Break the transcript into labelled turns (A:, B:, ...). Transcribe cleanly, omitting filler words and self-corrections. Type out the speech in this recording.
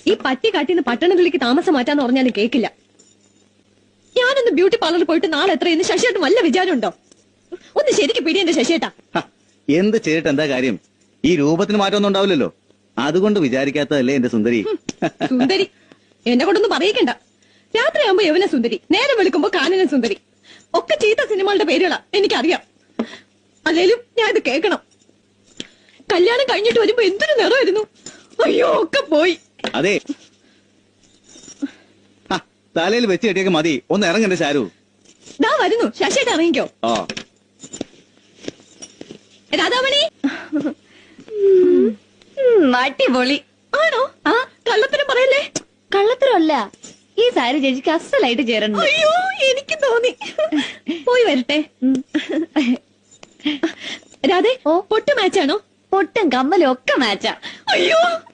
A: ഈ പട്ടിക്കാട്ടിന്ന് പട്ടണത്തിലേക്ക് താമസം മാറ്റാന്ന് പറഞ്ഞാലും കേക്കില്ല. ഞാനൊന്ന് ബ്യൂട്ടി പാർലറിൽ പോയിട്ട് നാളെ എത്രയെന്ന് ശശിയേട്ടൻ വല്ല വിചാരമുണ്ടോ? ഒന്ന് ശരിക്ക് പിടി എന്റെ ശശിയേട്ടാ.
B: എന്ത് ചെയ്തിട്ട് എന്താ കാര്യം? ഈ രൂപത്തിന് മാറ്റമൊന്നും ഉണ്ടാവില്ലല്ലോ. അതുകൊണ്ട് വിചാരിക്കാത്തതല്ലേ എന്റെ സുന്ദരി.
A: സുന്ദരി എന്നെ കൊണ്ടൊന്നും പറയിക്കണ്ട. രാത്രിയാകുമ്പോ യവന സുന്ദരി, നേരം വെളുക്കുമ്പോ കാനന സുന്ദരി, ഒക്കെ ചീത്ത സിനിമകളുടെ പേരുകളാ എനിക്കറിയാം. അല്ലേലും ഞാൻ ഇത് കേൾക്കണം. കല്യാണം കഴിഞ്ഞിട്ട് വരുമ്പോ എന്തൊരു നിറമായിരുന്നു. അയ്യോ ഒക്കെ പോയി.
B: അതെ, തലയിൽ വെച്ച് കെട്ടിയൊക്കെ മതി. ഒന്ന് ഇറങ്ങണ്ടേ ശാരു?
A: ദാ വരുന്നു. ശശിയേട്ട ഇറങ്ങിക്കോ. രാധാമണി
C: അടിപൊളി
A: ആണോ? ആ കള്ളത്തരം പറയല്ലേ.
C: കള്ളത്തരമല്ല, ഈ സാരി ചേച്ചിക്ക് അസലായിട്ട് ചേരണം.
A: അയ്യോ എനിക്ക് തോന്നി. പോയി വരട്ടെ. രാധേ, പൊട്ട് മാച്ചാണോ?
C: പൊട്ടും കമ്മലും ഒക്കെ മാച്ചാ.
A: അയ്യോ